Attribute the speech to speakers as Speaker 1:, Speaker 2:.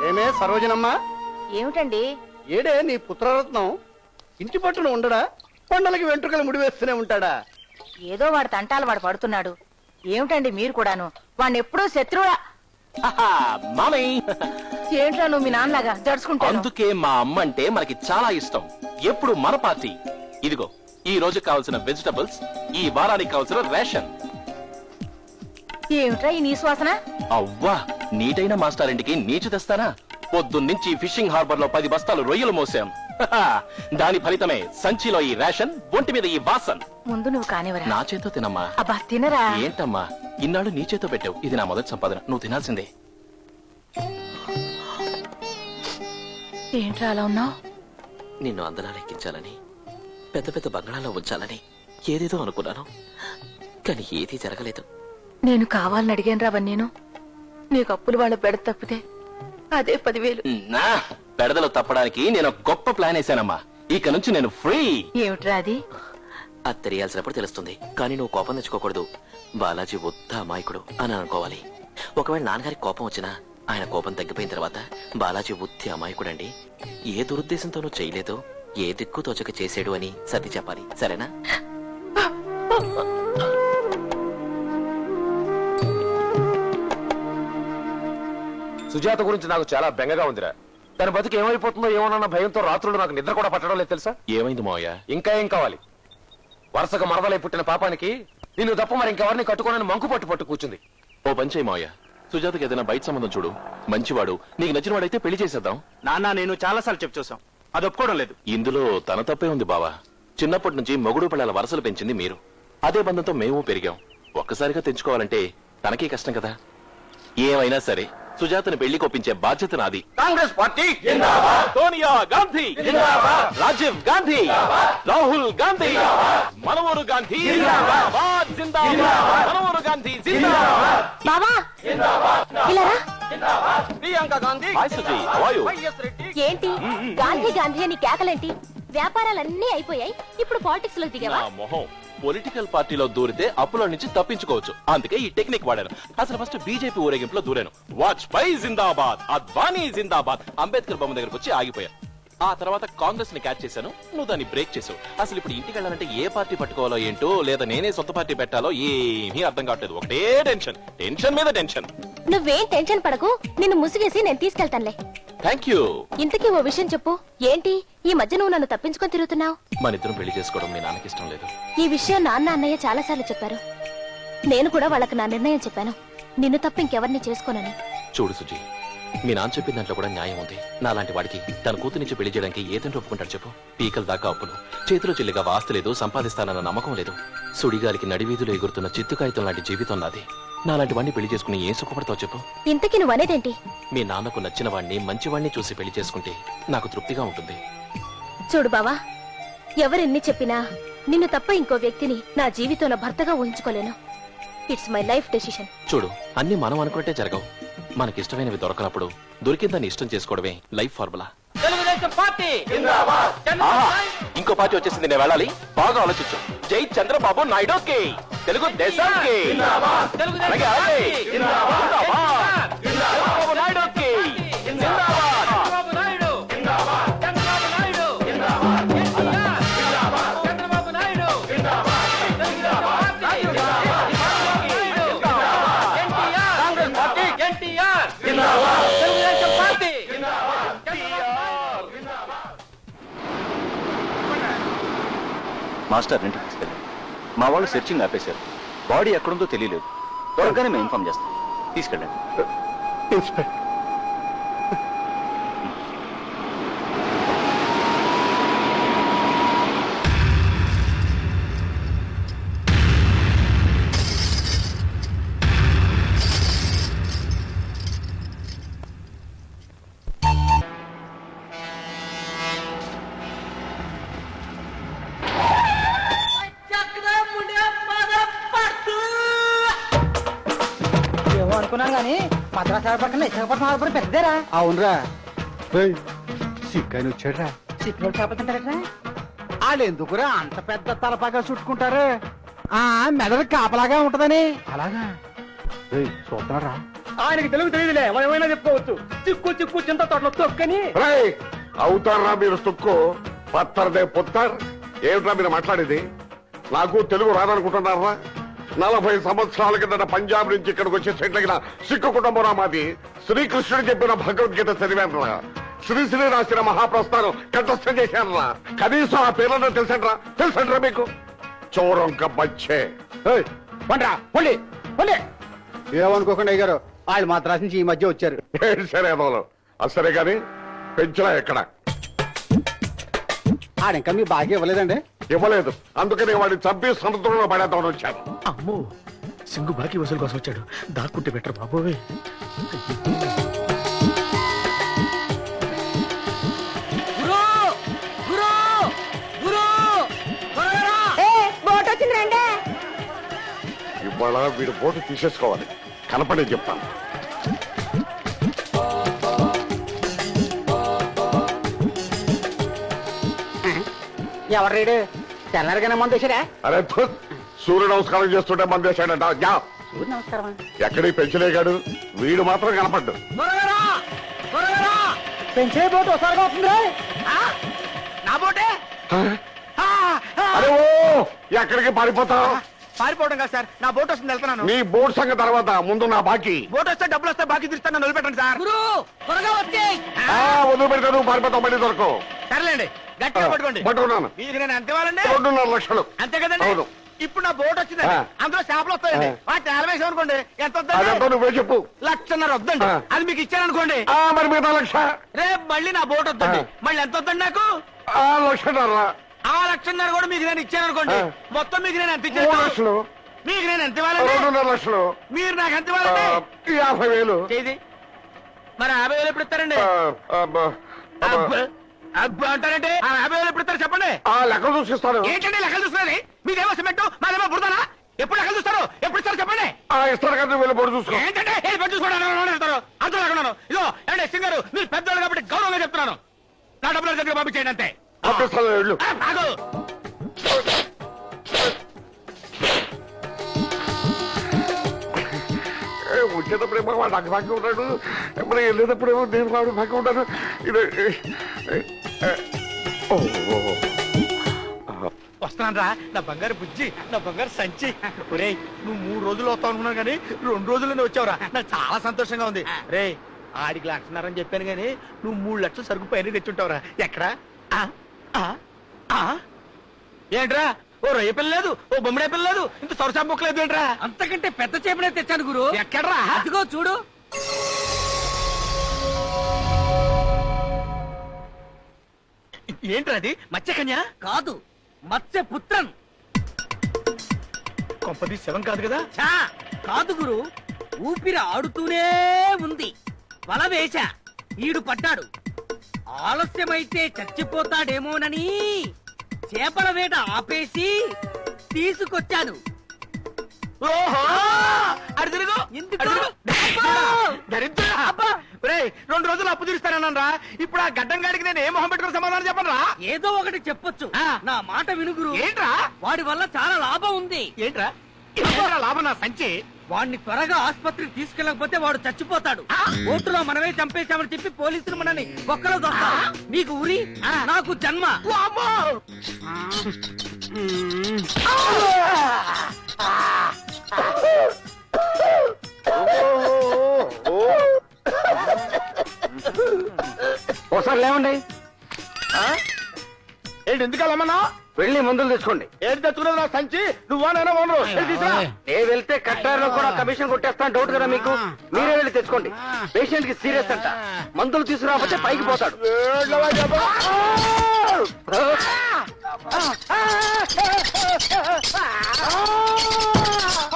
Speaker 1: ఏమే సరోజనమ్మా,
Speaker 2: ఏమిటండి?
Speaker 1: ఏడే నీ పుత్రరత్నం? ఇంటి పట్టున ఉండడా? కొండలకి వెంట్రుకలు ముడివేస్తూనే ఉంటాడా?
Speaker 2: ఏదో వాడు తంటాలు వాడు పడుతున్నాడు. ఏమిటండి మీరు కూడాను వాడిని ఎప్పుడూ శత్రువులా?
Speaker 3: మామయ్య,
Speaker 2: ఏంట్రా నువ్వు మీ నాన్నలాగా జడుచుకుంటాను?
Speaker 3: అందుకే మా అమ్మ అంటే మనకి చాలా ఇష్టం. ఎప్పుడు మన పార్టీ. ఇదిగో ఈ రోజు కావాల్సిన వెజిటబుల్స్, ఈ వారానికి కావాల్సిన రేషన్.
Speaker 2: ఏమిట్రా ఈ నీ శ్వాసన?
Speaker 3: అవ్వా, నీటైన మాస్టారింటికి నీచు తెస్తానా? పొద్దున్నుంచి ఫిషింగ్ హార్బర్ లో 10 బస్తాలు రొయ్యలు మోసాం. దాని ఫలితమే సంచిలో ఈ రేషన్, ఒంటి మీద ఈ వాసన్.
Speaker 2: ముందు నువ్వు కానివరా.
Speaker 3: నా చేతో తినమ్మా.
Speaker 2: అబ్బా తినరా.
Speaker 3: ఏంటమ్మా ఇన్నాళ్ళు నీ చేతో పెట్టావు? ఇది నా మొదటి సంపాదన, నువ్వు తినాల్సిందే.
Speaker 2: ఏంట్రా అలా ఉన్నావు?
Speaker 4: నిన్ను అందలా లెక్కించాలని, పెద్ద పెద్ద బంగాళాల్లో ఉంచాలని ఏదేదో అనుకున్నాను, కానీ ఏదీ జరగలేదు.
Speaker 2: నేను కావాలని అడిగాను రా నేను. నీకు అప్పులు వాళ్ళ బెడ తప్పితే అదే 10,000.
Speaker 3: నా పెడదలు తప్పడానికి నేను ఒక గొప్ప ప్లాన్ వేసానమ్మా. ఇక నుంచి నేను ఫ్రీ.
Speaker 2: ఏమిట్రా అది?
Speaker 4: అది తెలియాల్సినప్పుడు తెలుస్తుంది, కానీ నువ్వు కోపం తెచ్చుకోకూడదు. బాలాజీ వద్ద అమాయకుడు అని అనుకోవాలి. ఒకవేళ నాన్నగారికి కోపం వచ్చినా ఆయన కోపం తగ్గిపోయిన తర్వాత బాలాజీ ఉత్తి అమాయకుడండి, ఏ దురుద్దేశంతోనూ చేయలేదో, ఏ దిక్కు తోచక చేసాడు అని సర్ది చెప్పాలి, సరేనా?
Speaker 5: సుజాత గురించి నాకు చాలా బెంగగా ఉందిరా. తన బతికి ఏమైపోతుందో ఏమోనన్న భయంతో రాత్రులు నాకు నిద్ర కూడా పట్టడం లేదు తెలుసా?
Speaker 3: ఏమైంది మావయ్య?
Speaker 5: ఇంకా ఏం కావాలి? వరుసగా మరదలై పుట్టిన పాపానికి నిన్ను తప్ప మరి ఇంకెవరిని కట్టుకోనని మంకు పట్టు కూర్చుంది.
Speaker 3: ఓ పని చేయి మావయ్య, సుజాతకి ఏదైనా బయట సంబంధం చూడు. మంచివాడు, నీకు నచ్చిన వాడైతే పెళ్లి చేసేద్దాం.
Speaker 1: నాన్న నేను చాలా సార్లు చెప్పి చూసాం, అది ఒప్పుకోవడం లేదు.
Speaker 3: ఇందులో తన తప్పే ఉంది బావా. చిన్నప్పటి నుంచి మొగుడు పిల్లల వరసలు పెంచింది మీరు. అదే బంధంతో మేము పెరిగాం. ఒక్కసారిగా తెంచుకోవాలంటే తనకే కష్టం కదా. ఏమైనా సరే సుజాతను పెళ్లి కొప్పించే బాధ్యత నాది.
Speaker 1: కాంగ్రెస్ పార్టీ
Speaker 3: సోనియా గాంధీ, రాజీవ్ గాంధీ, రాహుల్ గాంధీ, మనోహర్ గాంధీ, మనోహర్ గాంధీ
Speaker 2: బాబా ఇలా
Speaker 3: Priyanka Gandhi. Hi Suji, how are you?
Speaker 6: ఏంటి గాంధీ గాంధీ అని కేకలేంటి? వ్యాపారాలన్నీ అయిపోయాయి, ఇప్పుడు పాలిటిక్స్ లో దిగావా?
Speaker 3: నా మొహం. పొలిటికల్ పార్టీలో దూరితే అప్పుల నుంచి తప్పించుకోవచ్చు, అందుకే ఈ టెక్నిక్ వాడాను. అసలు ఫస్ట్ బీజేపీ ఊరేగింపులో దూరాను. వాజ్పేయి జిందాబాద్, అద్వానీ జిందాబాద్, అంబేద్కర్ బొమ్మ దగ్గరకు వచ్చి ఆగిపోయాను. ఆ తర్వాత కాంగ్రెస్ ని క్యాచ్ చేశాను, నువ్వు దాన్ని బ్రేక్ చేసావు. అసలు ఇప్పుడు ఇంటికి వెళ్ళాలంటే ఏ పార్టీ పట్టుకోవాలో ఏంటో, లేదా నేనే సొంత పార్టీ పెట్టాలో ఏమీ అర్థం కావట్లేదు. ఒకటే టెన్షన్, టెన్షన్ మీద టెన్షన్.
Speaker 6: నువ్వేం టెన్షన్ పడకు, నిన్ను ముసుగేసి నేను తీసుకెళ్తానులే.
Speaker 3: Thank you.
Speaker 6: ఇంతకీ ఓ విషయం చెప్పు, ఏంటి ఈ మధ్య నువ్వు నన్ను తప్పించుకొని తిరుగుతున్నావు?
Speaker 3: మన ఇద్దరం పెళ్లి చేసుకోవడం మీ నాన్నకి ఇష్టం లేదు.
Speaker 6: ఈ విషయం నాన్న అన్నయ్య చాలా సార్లు చెప్పారు. నేను కూడా వాళ్ళకి నా నిర్ణయం చెప్పాను, నిన్ను తప్ప ఇంకెవరిని చేసుకోనని.
Speaker 3: చూడు సుజీ, మీ నాన్న చెప్పిన దాంట్లో కూడా న్యాయం ఉంది. నాలాంటి వాడికి తన కూతురించి పెళ్లి చేయడానికి ఏదంటే ఒప్పుకుంటాడు చెప్పు? పీకల దాకా అప్పులు, చేతిలో చెల్లిగా వాస్తు లేదు, సంపాదిస్తానన్న నమ్మకం లేదు. సుడిగాలికి నడివీధిలో ఎగురుతున్న చిత్తుకాయితం లాంటి జీవితం నాది. నాలాంటి వాడిని పెళ్లి చేసుకుని ఏం సుఖపడతావు చెప్పు?
Speaker 6: ఇంతకీ నువ్వు అనేదేంటి?
Speaker 3: మీ నాన్నకు నచ్చిన వాడిని, మంచివాడిని చూసి పెళ్లి చేసుకుంటే నాకు తృప్తిగా ఉంటుంది.
Speaker 6: చూడు బావా, ఎవరెన్ని చెప్పినా నిన్ను తప్ప ఇంకో వ్యక్తిని నా జీవితంలో భర్తగా ఊహించుకోలేను. It's my life decision.
Speaker 3: చూడు, అన్ని మనం అనుకుంటే జరగవు. మనకిష్టమైనవి దొరకనప్పుడు దొరికిందాన్ని ఇష్టం చేసుకోవడమే లైఫ్ ఫార్ములా. ఇంకో పార్టీ వచ్చేసింది, నేను వెళ్ళాలి. బాగా ఆలోచించు. జై చంద్రబాబు నాయుడుకి, తెలుగు దేశానికి, చంద్రబాబు నాయుడుకి
Speaker 7: మాస్టర్ ఇంటికి తీసుకెళ్ళి మా వాళ్ళు సెర్చింగ్ ఆపేశారు. బాడీ ఎక్కడుందో తెలియలేదు. త్వరగానే మేము ఇన్ఫార్మ్ చేస్తాం. తీసుకెళ్ళండి.
Speaker 1: ఇన్స్పెక్టర్
Speaker 2: అనుకున్నాను గానీ మద్రాసు పక్కన విశాఖపట్నం హార్బర్ పెద్దదేరా.
Speaker 1: అవునరా, సిక్కని వచ్చాడ్రా.
Speaker 2: సిక్కులో చేపలుంటారా?
Speaker 1: వాళ్ళు ఎందుకురా అంత పెద్ద తలపాగా చుట్టుకుంటారు? మెదడు కాపలాగా ఉంటదని. అలాగా చూస్తున్నారా? ఆయనకి తెలుగు తెలియదులే మనం ఏమైనా చెప్పుకోవచ్చు. చిక్కు చిక్కు చింత తోటలో తొక్కని.
Speaker 8: అవుతారా మీరు సుక్కు పత్తర్దే పుత్తర్? ఏమిట్రా మీరు మాట్లాడేది? నాకు తెలుగు రాదనుకుంటున్నారా? 40 సంవత్సరాల కిందట పంజాబ్ నుంచి ఇక్కడికి వచ్చి సెటిల్ అయిన సిక్కు కుటుంబం మాది. శ్రీకృష్ణుడు చెప్పిన భగవద్గీత చదివానురా. శ్రీశ్రీ రాసిన మహాప్రస్థానం కంఠస్థం చేశానురా. కనీసం ఆ పేర్లను తెలుసండ్రా మీకు? చోరంక బచ్చే.
Speaker 1: పండ్రా పొండి పొండి. ఏమనుకోకుండా అయ్యారు, వాళ్ళు మాత్రం నుంచి ఈ మధ్య వచ్చారు.
Speaker 8: సరే అదోలు అసలే గాని పెంచరా ఎక్కడ
Speaker 1: ఆడింకా మీ బాగా ఇవ్వలేదండి?
Speaker 8: ఇవ్వలేదు, అందుకని వాడిని చంపి సముద్రంలో పడేద్దామని వచ్చాను.
Speaker 1: అమ్మో, సింగు బాకీ వసూలు కోసం వచ్చాడు. దాక్కుంటే బెటర్ బాబోయ్.
Speaker 8: ఇవాళ వీడు బోటు తీసేసుకోవాలి. కనపడే చెప్తాను.
Speaker 1: ఎవరు తెల్లరిగానే మంది వచ్చారా?
Speaker 8: అరే సూర్య నమస్కారం చేస్తుంటే మంది వేశాడంట.
Speaker 1: నమస్కారం.
Speaker 8: ఎక్కడికి పెంచలేగాడు, వీడు మాత్రం కనపడ్డు.
Speaker 1: పెంచే బోటు ఒకసారిగా వస్తుంది. నా బోటే
Speaker 8: అరే ఓ ఎక్కడికి పారిపోతావు?
Speaker 1: పారిపోవడం కాదు సార్, నా బోట్ వస్తుంది, వెళ్తున్నాను.
Speaker 8: నీ బోట్ సంగతి తర్వాత ముందు నా బాకీ.
Speaker 1: బోట్ వస్తే డబ్బులు వస్తే బాకీ తీస్తాను, వదిలిపెట్టండి సార్.
Speaker 8: వదిలిపెడితే నువ్వు పారిపోతావు, మళ్ళీ దొరకవు.
Speaker 1: సర్లేండి, గట్టిగా పట్టుకోండి.
Speaker 8: పట్టుకున్నాను.
Speaker 1: మీకు నేను ఎంత ఇవ్వాలండి?
Speaker 8: 2.5 లక్షలు.
Speaker 1: అంతే కదండి.
Speaker 8: అవును.
Speaker 1: ఇప్పుడు నా బోట్ వచ్చిందండి, అందులో చేపలు వస్తాయండి. వాటి నేలవేసాం అనుకోండి, ఎంత
Speaker 8: అదంతా
Speaker 1: వద్దండి?
Speaker 8: నువ్వే చెప్పు.
Speaker 1: 1,50,000 వద్దండి. అది మీకు ఇచ్చాననుకోండి,
Speaker 8: మరి మిగతా 1,00,000.
Speaker 1: రేపు మళ్ళీ నా బోట్ వద్దండి. మళ్ళీ ఎంత వద్దండి నాకు?
Speaker 8: 1,00,000.
Speaker 1: ఆ 1,50,000 కూడా మీకు నేను ఇచ్చాననుకోండి, మొత్తం మీకు నేను ఎంత
Speaker 8: 3
Speaker 1: ఇచ్చాను?
Speaker 8: లక్షలు.
Speaker 1: మీకు నేను ఎంత ఇవ్వాలండి?
Speaker 8: 2.5 లక్షలు.
Speaker 1: మీరు నాకు ఎంత ఇవ్వాలండి?
Speaker 8: 50,000.
Speaker 1: చేది మరి 50,000 ఎప్పుడు ఇస్తారండి? అబ్బా అంటారంటే 50,000 ఎప్పుడు ఇస్తారు చెప్పండి.
Speaker 8: లెక్కలు చూసిస్తాను.
Speaker 1: ఏంటండి లెక్కలు చూస్తున్నది? మీదేమో సిమెంట్, మాదేమో బుడదనా? ఎప్పుడు లెక్కలు చూస్తారు? ఎప్పుడు ఇస్తారు చెప్పండి.
Speaker 8: ఇస్తారు కదా, వెళ్ళి పొడి చూసుకో.
Speaker 1: ఏంటంటే ఏది పట్టు చూసుకోవడానికి వెళ్తారు? అంత లేకున్నాను. ఇదో ఏమంటే సింగారు, మీరు పెద్దవాళ్ళు కాబట్టి గౌరవంగా చెప్తున్నాను. నా డబ్బులు దగ్గర పంపించేయండి అంతే.
Speaker 8: పంపిస్తాను, వెళ్ళు.
Speaker 1: ఆగు.
Speaker 8: వచ్చేటప్పుడేమో వాడు నాకు బాగా ఉంటాడు, మరి వెళ్ళేటప్పుడేమో నేను వాడు బాగా ఉంటాను. ఇది
Speaker 1: వస్తున్నాను రా నా బంగారు బుజ్జి, నా బంగారు సంచి. ఒరేయ్, నువ్వు 3 రోజులు వస్తావు అనుకున్నాను కానీ 2 రోజుల్లోనే వచ్చావురా. నాకు చాలా సంతోషంగా ఉంది. రే ఆడికి 1,00,000 అని చెప్పాను కానీ నువ్వు 3 లక్షలు సరుకు పైన తెచ్చుంటావురా. ఎక్కడా? ఏంట్రా, ఓ రొయ్య పిల్ల లేదు, ఓ బొమ్మడే పిల్ల లేదు, ఇంత సొరసా బొక్క లేదు ఏంట్రా?
Speaker 9: అంతకంటే పెద్ద చేపనే తెచ్చాను గురు.
Speaker 1: ఎక్కడ్రా?
Speaker 9: అదిగో చూడు.
Speaker 1: ఏంట్రా అది? మత్స్యకన్య
Speaker 9: కాదు, మత్స్య పుత్రన్.
Speaker 1: కొంపది శవం కాదు కదా?
Speaker 9: ఛా, కాదు గురు, ఊపిరి ఆడుతూనే ఉంది. వల వేశా, ఈడు పడ్డాడు. ఆలస్యమైతే చచ్చిపోతాడేమోనని చేపల వేట ఆపేసి తీసుకొచ్చాను.
Speaker 1: ఓహో, అడు తిరుగు.
Speaker 9: ఎందుకు?
Speaker 1: అడు తిరుగు. దరిద్రుడా. ఒరేయ్, 2 రోజులు అప్పు తీరుస్తానన్నా. ఇప్పుడు ఆ గడ్డం గాడికి నేను ఏ మొహం పెట్టుకుని సమాధానం చెప్పను రా.
Speaker 9: ఏదో ఒకటి చెప్పొచ్చు. నా మాట వినుగురు.
Speaker 1: ఏంట్రా?
Speaker 9: వాడి వల్ల చాలా లాభం ఉంది.
Speaker 1: ఏంట్రా? ఏంట్రా లాభం? నా సంచి.
Speaker 9: వాడిని త్వరగా ఆసుపత్రికి తీసుకెళ్ళకపోతే వాడు చచ్చిపోతాడు. ఓటులో మనమే చంపేశామని చెప్పి పోలీసులు మనల్ని ఒక్కలో దొరుకుతారు. నీకు ఉరి, నాకు జన్మ.
Speaker 1: వామ్మో!
Speaker 10: ఒకసారి లేవండి.
Speaker 1: ఏంటి ఎందుకు వెళ్ళమన్నా?
Speaker 10: వెళ్ళి మందులు తెచ్చుకోండి.
Speaker 1: ఏంటి తెచ్చుకున్నది? నా సంచి. నువ్వా నేనా ఓనరు?
Speaker 10: నేను వెళ్తే కట్టారులో కూడా కమిషన్ కొట్టేస్తాను. డౌట్ కదా మీకు? మీరే వెళ్ళి తెచ్చుకోండి. పేషెంట్ కి సీరియస్ అంట, మందులు తీసుకురాకపోతే పైకి పోతాడు.